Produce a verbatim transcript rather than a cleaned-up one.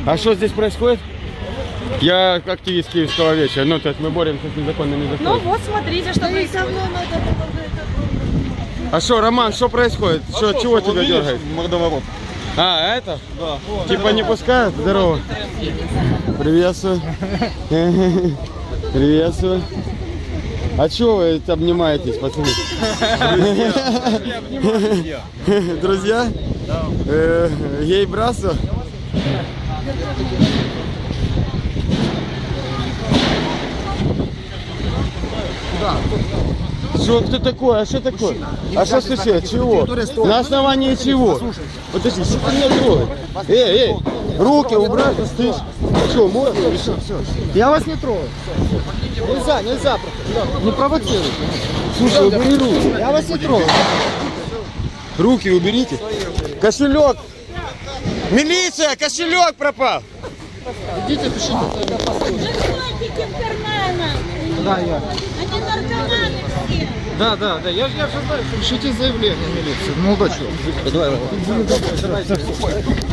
А что здесь происходит? Я активист Киевского вечера. Ну, то есть мы боремся с незаконными законами. Ну вот, смотрите, что происходит. А что, Роман, что происходит? Что, чего тебя дергает? Мордоворот. А, это? Да. Типа не пускают? Здорово. Приветствую. Приветствую. А чего вы обнимаетесь, пацаны? Друзья? Да. Гей-братство? Да. Что, кто такой? А что такое? А что случилось? Чего? На основании чего? Подожди, что ты меня трогай? Эй, эй, руки убрать, стыдишь. Что, можно? Все, все. Я вас не трогаю. Нельзя, нельзя. Не провоцируйте. Слушай, убери руки. Я вас не трогаю. Руки уберите. Кошелек. Милиция, кошелек пропал. Идите, пишите. Наркотики в карманах. Да, я. Они наркоманы все. Да, да, да. Я же я же знаю. Пишите заявление в милицию. Молодой человек. Давай, давай.